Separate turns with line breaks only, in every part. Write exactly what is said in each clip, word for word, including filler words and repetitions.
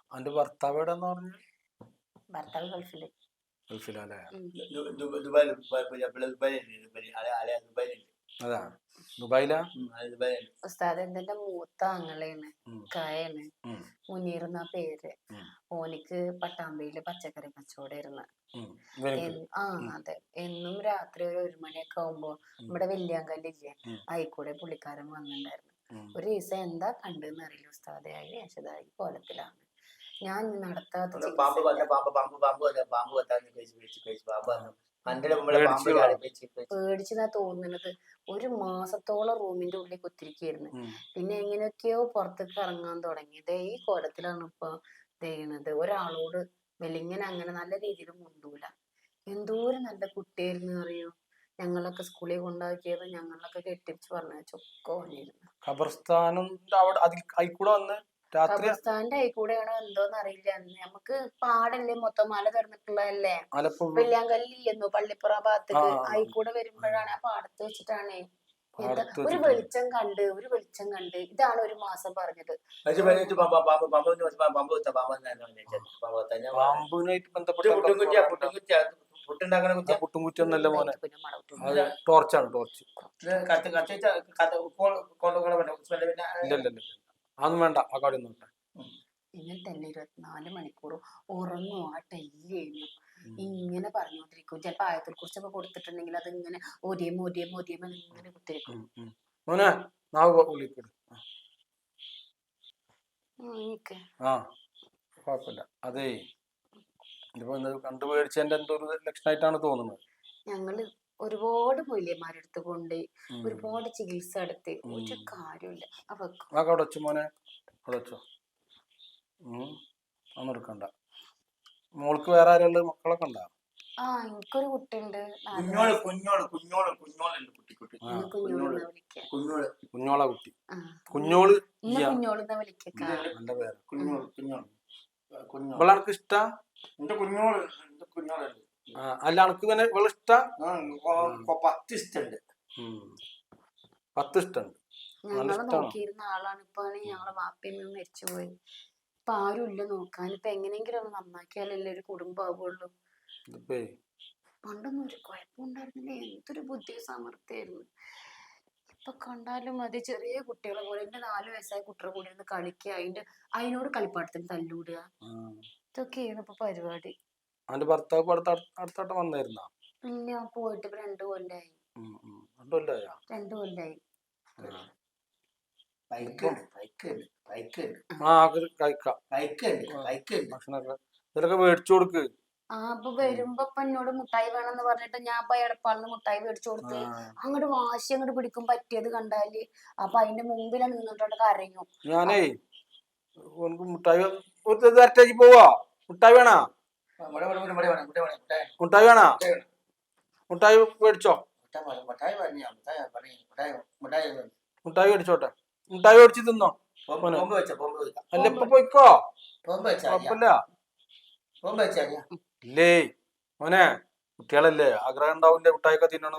അന്റെ ഭർത്താവ് എവിടെന്ന് പറഞ്ഞു?
ഭർത്താവ് ഗൾഫില്.
ഗൾഫിലല്ലേ? അതാ ദുബായിലാ?
ഉസ്താദ് എന്തെന്റെ മൂത്ത ആങ്ങളെയാണ്, കായാണ് മുനീർ എന്നാ പേര്. ഓനിക്ക് പട്ടാമ്പിയില് പച്ചക്കറി കച്ചവടമായിരുന്നു. ആ അതെ, എന്നും രാത്രി ഒരു ഒരു മണിയൊക്കെ ആവുമ്പോ നമ്മുടെ വെല്ലിയാങ്കല്ലില്ലേ, ആയിക്കൂടെ പുള്ളിക്കാരൻ വന്നിട്ടുണ്ടായിരുന്നു. ഒരു ദിവസം എന്താ കണ്ടെന്ന് അറിയില്ല ഉസ്താദെ, അതിന് ശേഷതായി കോലത്തിലാണ്. ഞാൻ നടത്താത്ത പേടിച്ചതാ തോന്നുന്നത്. ഒരു മാസത്തോളം റൂമിന്റെ ഉള്ളിൽ കുത്തിരിക്കായിരുന്നു. പിന്നെ എങ്ങനെയൊക്കെയോ പുറത്തേക്ക് ഇറങ്ങാൻ തുടങ്ങിയത്. ഈ കോലത്തിലാണ് ഇപ്പൊ ചെയ്യണത്. ഒരാളോട് വെല്ലിങ്ങനെ അങ്ങനെ നല്ല രീതിയിൽ മുണ്ടൂല. എന്തോരം നല്ല കുട്ടിയായിരുന്നു അറിയോ. ഞങ്ങളൊക്കെ സ്കൂളിൽ കൊണ്ടാക്കിയത്, ഞങ്ങളൊക്കെ കെട്ടിച്ച് പറഞ്ഞ ചൊക്കെ വന്നിരുന്നു.
ഖബർസ്ഥാനം
ഖബർസ്ഥാന്റെ ആയിക്കൂടെയാണോ എന്തോന്ന് അറിയില്ല. നമുക്ക് പാടല്ലേ, മൊത്തം മല തുറന്നിട്ടുള്ളതല്ലേ. വെള്ളിയാങ്കല്ലില്ലെന്നോ പള്ളിപ്പുറ ഭാഗത്തേക്ക് ആയിക്കൂടെ വരുമ്പോഴാണ് ആ പാടത്ത് വെച്ചിട്ടാണ് എന്താ ഒരു വെളിച്ചം കണ്ട് ഒരു വെളിച്ചം കണ്ട് ഇതാണ് ഒരു മാസം പറഞ്ഞത്.
പുട്ടുംകുറ്റിയൊന്നല്ല മോനെ, ടോർച്ചാണ്. ടോർച്ച് അതൊന്നും വേണ്ട, ആ കാടി ഒന്നും വേണ്ട.
ഇങ്ങനെ തന്നെ ഇരുപത്തിനാല് മണിക്കൂറും ഉറങ്ങും. ആ ടൈലിയും ഇങ്ങനെ പറഞ്ഞോണ്ടിരിക്കും. ചിലപ്പോ ആയത്തെ കുറിച്ചൊക്കെ കൊടുത്തിട്ടുണ്ടെങ്കിൽ അത് ഇങ്ങനെ ഒരിയും ഒരിയും ഒരിയും ഇങ്ങനെ കുത്തിരിക്കും.
ആ കുഴപ്പമില്ല. അതേ കണ്ടു പേടിച്ചതിന്റെ എന്തോ ഒരു ലക്ഷണമായിട്ടാണ് തോന്നുന്നത്.
ഞങ്ങള് ഒരുപാട് മൂല്യന്മാരെടുത്ത് കൊണ്ട് ഒരുപാട് ചികിത്സ എടുത്ത് ഒരു കാര്യമില്ല.
അവക്ക് മോനെ അടച്ചോ, ഒന്നും എടുക്കണ്ട. മോൾക്ക് വേറെ ആരുള്ള മക്കളൊക്കെ ഉണ്ടാ?
ആ എനിക്കൊരു കുട്ടിയുണ്ട്.
കുഞ്ഞോളെ കുട്ടി, കുഞ്ഞോള്
കുഞ്ഞോളെന്നാ വിളിക്ക.
നല്ല പേര്. ഇവളെനക്ക് ഇഷ്ടാ? അല്ല അനക്ക് ഇവനെ ഇവളെ ഇഷ്ടാ?
പത്ത് ഇഷ്ടണ്ട്.
പത്ത് ഇഷ്ടണ്ട്.
ഞങ്ങള് നോക്കിയിരുന്ന ആളാണ്. ഇപ്പൊ ഞങ്ങളെ വാപ്പയും മരിച്ചുപോയി. ഇപ്പൊ ആരും ഇല്ല നോക്കാൻ. ഇപ്പൊ എങ്ങനെയെങ്കിലും ഒന്ന് നന്നാക്കിയാലല്ലേ ഒരു കുടുംബാവുള്ളൂ. പണ്ടൊന്നും ഒരു കുഴപ്പമുണ്ടായിരുന്നില്ല. എന്തൊരു ബുദ്ധി സാമർത്ഥ്യായിരുന്നു. ഇപ്പൊ കണ്ടാലും മതി ചെറിയ കുട്ടികളെ പോലെ. എന്റെ നാലു വയസ്സായ കുട്ടികളെ കൂടെ ഇരുന്ന് കളിക്കുക, അതിന്റെ അതിനോട് കളിപ്പാട്ടത്തിന് തല്ലൂടുക, ഇതൊക്കെയാണ് ഇപ്പൊ പരിപാടി.
അവന്റെ ഭർത്താവ് അടുത്തോട്ടം വന്നായിരുന്ന?
ഇല്ല, പോയിട്ട് ഇപ്പൊ രണ്ടു കൊല്ലായി. രണ്ടു കൊല്ലായി.
ഇതൊക്കെ മേടിച്ചു കൊടുക്ക്.
ആ അപ്പൊ വരുമ്പോ ഇപ്പൊ എന്നോട് മുട്ടായി വേണമെന്ന് പറഞ്ഞിട്ട് ഞാൻ ഇപ്പൊ എടപ്പാളിന് മുട്ടായി മേടിച്ചു കൊടുത്ത് അങ്ങോട്ട് വാശി അങ്ങോട്ട് പിടിക്കും പറ്റിയത് കണ്ടാല്. അപ്പൊ അതിന്റെ മുമ്പിലാണ് നിന്നിട്ടോണ്ട് കരയും.
ഞാനേ മുട്ടായി പോവാ. മുട്ടായി വേണ? മുട്ടായി വേണ? മുട്ടായി മേടിച്ചോ. മുട്ടായി മേടിച്ചോട്ടെ. മുട്ടായി മേടിച്ച് തിന്നോ. അല്ല ഇപ്പൊ പോയിക്കോ, കുഴപ്പമില്ല. ഇല്ലേ മോനെ, കുട്ടികളല്ലേ, ആഗ്രഹം ഉണ്ടാവില്ലേ മുട്ടായിയൊക്കെ തിന്നണം.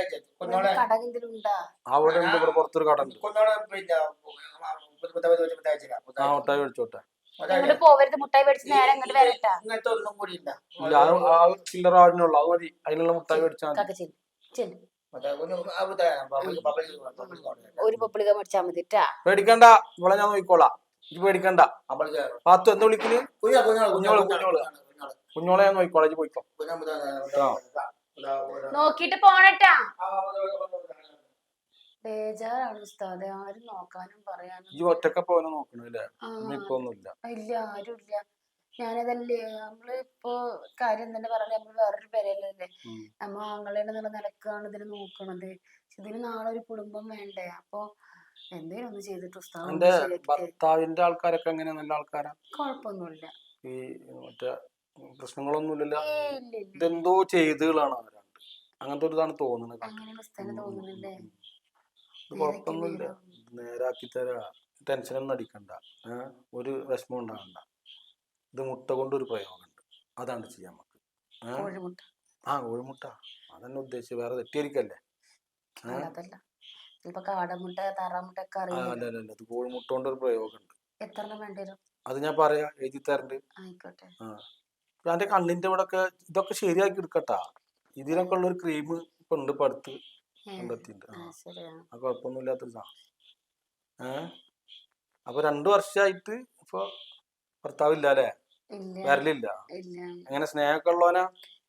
അവിടെ ഉണ്ട്, ഇവിടെ പുറത്തൊരു കട ഉണ്ട്. ആ മുട്ടായി മേടിച്ചോട്ടെ. ചില്ലറ ആടിനുള്ള അത് മതി. അതിനുള്ള മുട്ടായി മേടിച്ചാൽ പേടിക്കണ്ട. ഇവിടെ ഞാൻ നോക്കിക്കോളാം, ഇത് പേടിക്കണ്ട. പാത്തു എന്താ വിളിക്കല്? കുഞ്ഞോള് കുഞ്ഞോള് കുഞ്ഞോളെ ഞാൻ നോക്കിക്കോളാം, ഇത് പോയിക്കോ.
നോക്കിട്ട് പോണട്ടാ. ബേജാറാണ് ഉസ്താദെ, ആരും നോക്കാനും പറയാനും.
ഈ ഒറ്റക്ക പോകാനും നോക്കണില്ലേ?
ഇല്ല, ആരും ഇല്ല. ഞാനതല്ലേ നമ്മള് ഇപ്പൊ കാര്യം തന്നെ പറഞ്ഞ നമ്മള് വേറൊരു പേരല്ലേ, നമ്മ ആങ്ങളെ എന്നുള്ള നിലക്കാണ് ഇതിന് നോക്കണത്. ഇതിന് നാളെ ഒരു കുടുംബം വേണ്ടേ. അപ്പൊ എന്തേലും ഒന്ന് ചെയ്തിട്ട്
എന്റെ ഭർത്താവിന്റെ ആൾക്കാരൊക്കെ എങ്ങനെയാ? നല്ല ആൾക്കാരാ?
കുഴപ്പമൊന്നുമില്ല.
ഈ മറ്റേ പ്രശ്നങ്ങളൊന്നുമില്ലല്ലോ? ഇതെന്തോ ചെയ്തുകളാണ് അവരാണ്ട്, അങ്ങനത്തെ ഒരു ഇതാണ് തോന്നുന്നത്. കുഴപ്പമൊന്നുമില്ല, നേരാക്കി തരാ. ടെൻഷനൊന്നും അടിക്കണ്ട, ഒരു വിഷമം ഉണ്ടാകണ്ട. ഇത് മുട്ട കൊണ്ടൊരു പ്രയോഗമുണ്ട്, അതാണ് ചെയ്യാൻ നമുക്ക്. ആ കോഴിമുട്ട അതന്നെ ഉദ്ദേശിച്ച്, വേറെ തെറ്റിയിരിക്കല്ലേ.
കാടമുട്ട താറാമുട്ട ഒക്കെ
അല്ല, അത് കോഴിമുട്ട കൊണ്ടൊരു പ്രയോഗമുണ്ട്.
എത്ര എണ്ണം വേണ്ടി വരും?
അത് ഞാൻ പറയാ എഴുതി തരണ്ട്.
ആയിക്കോട്ടെ.
ആ എന്റെ കണ്ണിന്റെ ഇവിടെ ഒക്കെ ഇതൊക്കെ ശരിയാക്കി എടുക്കട്ടാ. ഇതിനൊക്കെ ഉള്ള ഒരു ക്രീം ഇപ്പൊ ഉണ്ട്, ഇപ്പൊ അടുത്ത് കണ്ടെത്തിണ്ട്. ആ കുഴപ്പമൊന്നുമില്ലാത്തൊരു സാധനം. ഏഹ് അപ്പൊ രണ്ടു വർഷമായിട്ട് ഇപ്പൊ ഭർത്താവ് ഇല്ല അല്ലേ? വരലില്ല. എങ്ങനെ സ്നേഹമൊക്കെ ഉള്ളവനാ?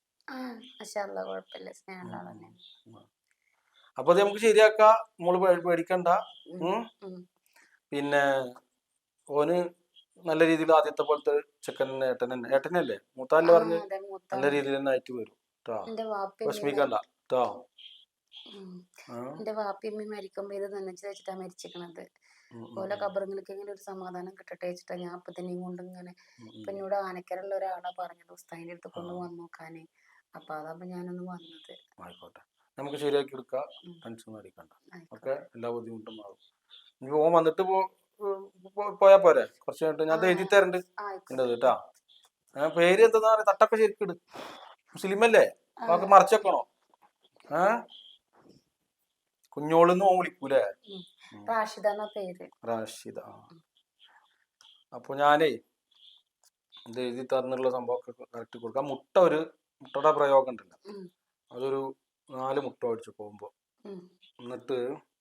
അപ്പൊ അത് നമുക്ക് ശരിയാക്കാം. നമ്മള് പേടിക്കണ്ട. പിന്നെ ഓന് നല്ല രീതിയിൽ ആദ്യത്തെ പോലത്തെ ചെക്കൻ ഏട്ടൻ തന്നെ ഏട്ടനല്ലേ മൂത്താല്ലേ പറഞ്ഞ് നല്ല രീതിയിൽ തന്നെ ആയിട്ട് വരും കേട്ടോ. വിഷമിക്കണ്ട കേട്ടോ.
എന്റെ വാപ്പിയമ്മ മരിക്കുമ്പോ ഇത് നനച്ചു വെച്ചിട്ടാ മരിച്ചിരിക്കണത്. ഓല കബറിങ്ങൾക്ക് ഇങ്ങനെ ഒരു സമാധാനം കിട്ടട്ടെ വെച്ചിട്ടാ ഞാൻ അപ്പൊ തന്നെ കൊണ്ട് ഇങ്ങനെ ഇപ്പൊ എന്നോട് ആനക്കരുള്ള ഒരാളാ പറഞ്ഞത് ഉസ്താദിന്റെ അടുത്ത് കൊണ്ട് വന്നു നോക്കാന്. അപ്പൊ അതാകുമ്പോ ഞാനൊന്ന് വന്നത്.
ആയിക്കോട്ടെ, നമുക്ക് ശരിയാക്കി എടുക്കാം. ടെൻഷൻ അടിക്കണ്ട. ഓക്കെ, എല്ലാ ബുദ്ധിമുട്ടും മാറും. ഇനി ഓൻ വന്നിട്ട് പോ പോയാ പോരെ. കുറച്ച് കഴിഞ്ഞിട്ട് ഞാൻ എഴുതി തരണ്ട് കേട്ടാ. പേര് എന്താ പറയാ? തട്ടൊക്കെ ശരിക്കിട്. മുസ്ലിമല്ലേ? നമുക്ക് മറച്ചേക്കണോ? ഏഹ് കുഞ്ഞോളെന്ന് ഓൻ വിളിക്കൂലേ? റാഷിദ. അപ്പൊ ഞാനേ ഇത് എഴുതി തന്നുള്ള സംഭവമൊക്കെ കറക്റ്റ് കൊടുക്കാം. മുട്ട ഒരു മുട്ടയുടെ പ്രയോഗം ഉണ്ടല്ലോ, അതൊരു നാല് മുട്ട അടിച്ചു പോകുമ്പോ. എന്നിട്ട്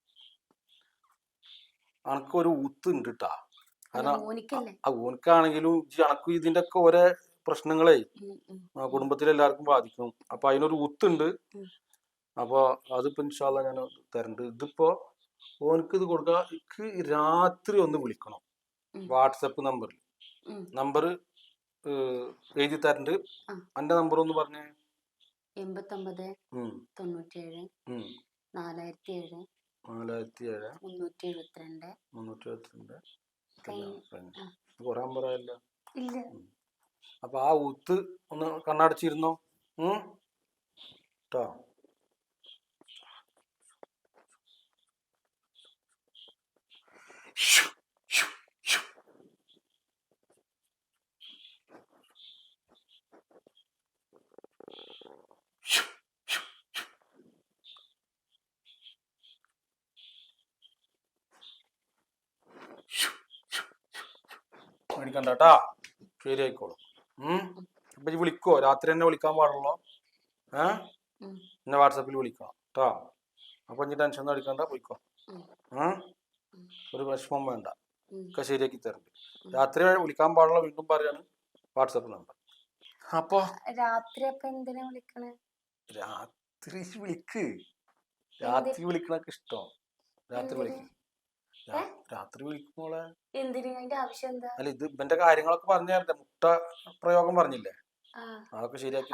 അനക്കൊരു ഊത്ത് ഉണ്ട് കേട്ടാ. കാരണം ആ ഊനക്കാണെങ്കിലും അനക്കും ഇതിന്റെ ഒക്കെ ഓരോ പ്രശ്നങ്ങളെ കുടുംബത്തിലെല്ലാവർക്കും ബാധിക്കും. അപ്പൊ അതിനൊരു ഊത്തുണ്ട്. അപ്പൊ അതിപ്പോ ഇൻഷാ അല്ലാഹ് ഞാൻ തരണ്ട്. ഇതിപ്പോ ഓനക്ക് ഇത് കൊടുക്കുക. എനിക്ക് രാത്രി ഒന്ന് വിളിക്കണം വാട്സപ്പ് നമ്പറിൽ. നമ്പർ എഴുതി തരണ്ട്. എന്റെ നമ്പർ ഒന്ന് പറഞ്ഞേ.
എൺപത്തൊമ്പത് തൊണ്ണൂറ്റേഴ് നാലായിരത്തി ഏഴ്
നാലായിരത്തി ഏഴ്
മുന്നൂറ്റി എഴുപത്തിരണ്ട്
മുന്നൂറ്റി എഴുപത്തിരണ്ട് കൊറേ നമ്പറായല്ലോ.
ഇല്ല.
അപ്പൊ ആ ഊത്ത് ഒന്ന് കണ്ണടച്ചിരുന്നോ കേട്ടോ. മേടിക്കണ്ടാ, ശരിയായിക്കോളും. ഉം അപ്പൊ ഈ വിളിക്കോ? രാത്രി തന്നെ വിളിക്കാൻ പാടുള്ളൂ. ഏഹ് എന്നെ വാട്സാപ്പിൽ വിളിക്കണം കേട്ടോ. അപ്പൊ ഇനി ടെൻഷൻ ഒന്നും അടിക്കണ്ട, പോയിക്കോ. ഏഹ് ഒരു വിഷമം വേണ്ട, ഒക്കെ ശരിയാക്കി തരണ്ട്. രാത്രി വിളിക്കാൻ പാടുള്ള വീണ്ടും പറയാണ് വാട്സാപ്പ് നമ്പർ. അപ്പൊ
രാത്രി അപ്പൊ എന്തിനാ വിളിക്കണേ?
രാത്രി വിളിക്ക്. രാത്രി വിളിക്കണൊക്കെ ഇഷ്ടം. രാത്രി വിളിക്കും. രാത്രി വിളിക്കുമ്പോളെ
എന്തിനു? അതിന്റെ ആവശ്യം എന്താ?
അല്ല, ഇത് ഇവന്റെ കാര്യങ്ങളൊക്കെ പറഞ്ഞു തരണ്ടേ. മുട്ട പ്രയോഗം പറഞ്ഞില്ലേ, അതൊക്കെ ശരിയാക്കി.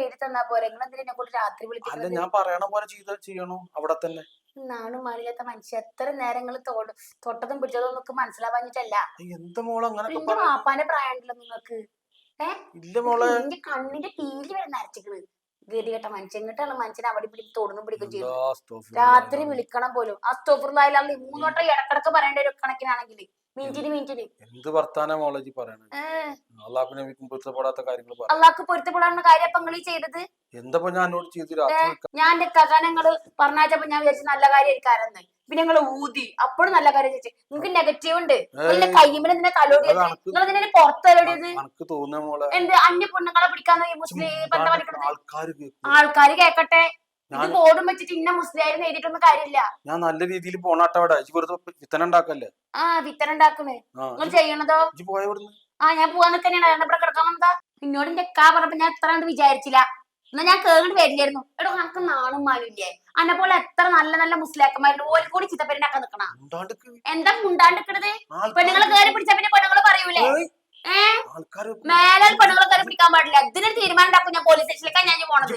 അല്ല, ഞാൻ പറയണ പോലെ ചെയ്ത ചെയ്യണോ അവിടെ തന്നെ.
നാണും മാനില്ലാത്ത മനുഷ്യ എത്ര നേരങ്ങൾ തൊട്ടതും പിടിച്ചതും നമുക്ക് മനസ്സിലാവാഞ്ഞിട്ടല്ല.
എന്താ മോളെ അങ്ങനെ
വാപ്പാന്റെ പ്രായം ഉണ്ടല്ലോ നിങ്ങൾക്ക്.
ഇല്ല മോളെ,
എന്റെ കണ്ണിന്റെ പീലി വരെ നരച്ചിക്കണ്. ഗതികെട്ട മനുഷ്യൻ ഇങ്ങോട്ടാണ് മനുഷ്യനെ അവിടെ പിടിച്ച് തൊടുന്നും പിടിക്കും ചെയ്തു. രാത്രി വിളിക്കണം പോലും. അസ്തോഫിറുല്ലാഹി മൂന്നോട്ടം ഇടക്കിടക്ക് പറയേണ്ട ഒരു കണക്കിനാണെങ്കിൽ മിനിറ്റിന് മിനിറ്റിന്
എന്ത് വർത്താനാ മോളജി പറയണത്? അള്ളാഹുവിനെ പൊരുത്തപ്പെടാത്ത കാര്യങ്ങൾ
അള്ളാഹ്ക്ക് പൊരുത്തപ്പെടാനുള്ള കാര്യം അപ്പൊ നിങ്ങൾ ചെയ്തത്
എന്താ? ഞാൻ എന്നോട് ചെയ്തു.
ഞാൻ എന്റെ കഥനങ്ങള് പറഞ്ഞാച്ചപ്പോ ഞാൻ വിചാരിച്ചു നല്ല കാര്യമായിരിക്കാരെന്ന്. പിന്നെ നിങ്ങള് ഊതി അപ്പോഴും നല്ല കാര്യം ചോദിച്ചു. നിങ്ങൾക്ക് നെഗറ്റീവ് ഉണ്ട്. നിങ്ങളുടെ കയ്യുമ്പോൾ എന്തിനാ തലോടിയത്? നിങ്ങൾ ഇതിനെ പുറത്ത് തലോടിയത് എന്ത്? അന്യ പെണ്ണുങ്ങളെ പിടിക്കാന്ന് മുസ്ലിം ബന്ധം പഠിക്കണത് ആൾക്കാര് കേക്കട്ടെ. ഇത് ബോർഡും വെച്ചിട്ട് ഇന്ന മുസ്ലിം എഴുതിയിട്ടൊന്നും കാര്യമില്ല.
ഞാൻ നല്ല രീതിയിൽ പോണാട്ടവിടെ വിത്തന ഉണ്ടാക്കല്ലേ.
ആ വിത്തന ഉണ്ടാക്കണേ നിങ്ങൾ ചെയ്യണതോ? ആ ഞാൻ പോവാൻ നിൽക്കന്നെയാണ്. ഇവിടെ കിടക്കാൻ എന്താ? ഇന്നോട് എന്റെ കാ പറഞ്ഞപ്പോ ഞാൻ എത്ര കണ്ട് വിചാരിച്ചില്ല. എന്നാ ഞാൻ കേറിട്ട് വരില്ലായിരുന്നു. എടോ നമുക്ക് നാണും മാനില്ലേ? അന്നെ പോലെ എത്ര നല്ല നല്ല മുസ്ലിയാക്കന്മാരുണ്ട്. ഓല് കൂടി ചിത്തപ്പേരിണ്ടാക്കാൻ നിക്കണം. എന്താ മുണ്ടാണ്ടിക്കണത്? പെണ്ണുങ്ങളെ കയറി പിടിച്ച പിന്നെ പെണ്ണുങ്ങള് പറയൂലേ? ഏഹ് മേലെ പെണ്ണുങ്ങളെ കയറി പിടിക്കാൻ പാടില്ല. ഇതിനൊരു തീരുമാനം ഉണ്ടാക്കും. ഞാൻ പോലീസ് സ്റ്റേഷനിലേക്കാണ് ഞാൻ പോണത്.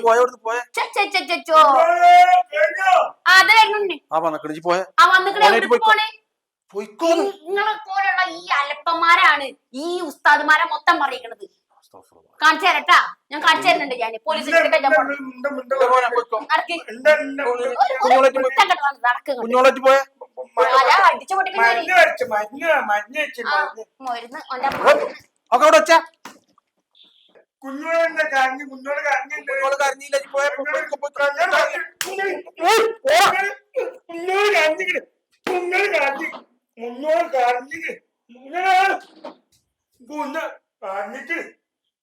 അത് വരുന്നുണ്ട്. ആ വന്നിട്ട് പോണേ. നിങ്ങളെ പോലുള്ള ഈ അലപ്പന്മാരാണ് ഈ ഉസ്താദുമാരെ മൊത്തം പറയിക്കണത്. കാണിച്ചു തരട്ടാ, ഞാൻ കാണിച്ചു തരുന്നുണ്ട്. ഞാൻ പോലീസ് സ്റ്റേഷനിലേക്ക് ഞാൻ അടിച്ചു പൊട്ടിക്കുന്ന
കുഞ്ഞോടെ കരഞ്ഞു. കുഞ്ഞോട് കരഞ്ഞില്ല. കരഞ്ഞില്ല. കുഞ്ഞോട് കരഞ്ഞു. കുഞ്ഞോട് കരഞ്ഞു. കുഞ്ഞ പറഞ്ഞിട്ട്